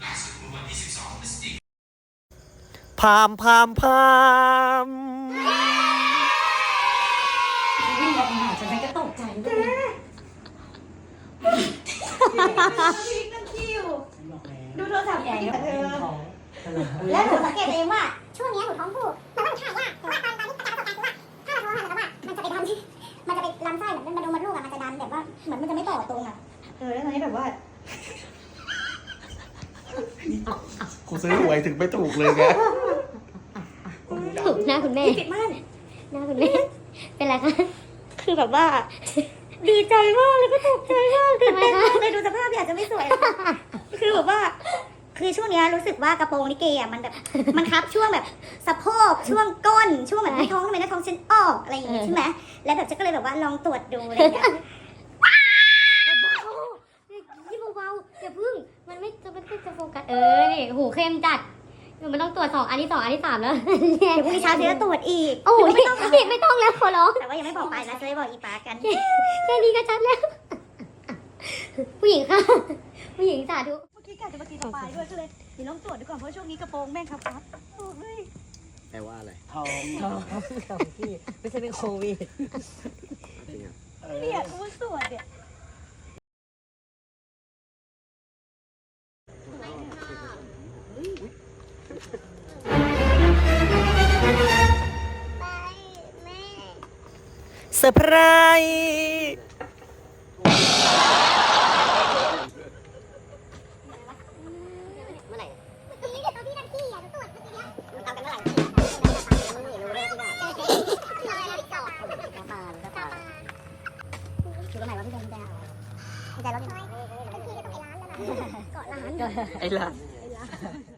พามพามพามวิ่งออกมาหาฉันก็ตกใจเลยดูโทรศัพท์ใหญ่กับเธอแล้วหนูสังเกตเองว่าช่วงนี้หนูท้องผูกแต่ว่าหนูถ่ายยากแต่ว่าตอนนี้ประสบการณ์คือว่าถ้าเราโทรหาแล้วว่ามันจะไปทำที่มันจะไปลำไส้เหมือนมันลูกอะมันจะดันแบบว่าเหมือนมันจะไม่ต่อตรงอะแล้วตอนนี้แบบว่ากูซื้อหวยถึงไม่ถูกเลยไงถูกหน้าคุณแม่ปิดม่านหน้าคุณแม่เป็นไรคะคือแบบว่าดีใจมากเลยก็ตกใจมากตื่นเต้นทำไมมาคะกเลยดูสภาพพี่อาจจะไม่สวยคือแบบว่า คือช่วงนี้รู้สึกว่ากระโปรงลิเกอ่ะมันแบบมันคับช่วงแบบสะโพกช่วงก้นช่วงแบบท้องทำไมหน้าท้องฉันออกอะไรอย่างงี้ใช่ไหมแล้วแบบจะก็เลยแบบว่าลองตรวจดูอะไรอย่างเงี้ยยี่เบาๆอย่าพึ่งมันไม่จะโฟกัสนี่หูเข้มจัดมันต้องตรวจ2 อันที่ 2 อันที่ 3แล้วเดี๋ยวพรุ่งนี้เช้าจะตรวจอีกโอ้ยไม่ต้องแล้วขอร้องแต่ว่ายังไม่บอกไปนะจะได้บอกอีปากันแค่นี้ก็ชัดแล้ว ผู้หญิงค่ะ ผู้หญิงสาธุเมื่อกี้กะจะมากินสปายด้วยก็เลยเดี๋ยวลองตรวจดูก่อนเพราะช่วงนี้กระโปรงแม่งครับโอ้ยแปลว่าอะไรท้องพี่ไม่ใช่เป็นโควิดเนี่ยกูตรวจเนี่ยเซอร์ไพรส์เมื่อไหร่นี่เดี๋ยวตอนที่นั่งขี้อ่ะตรวจเมื่อกี้เนี่ยมันเอากันเมื่อไหร่รู้เลยที่ไหนคือตรงไหนวะพี่แดงพี่แดงรถยังไงเกาะร้านไอ้ล่ะ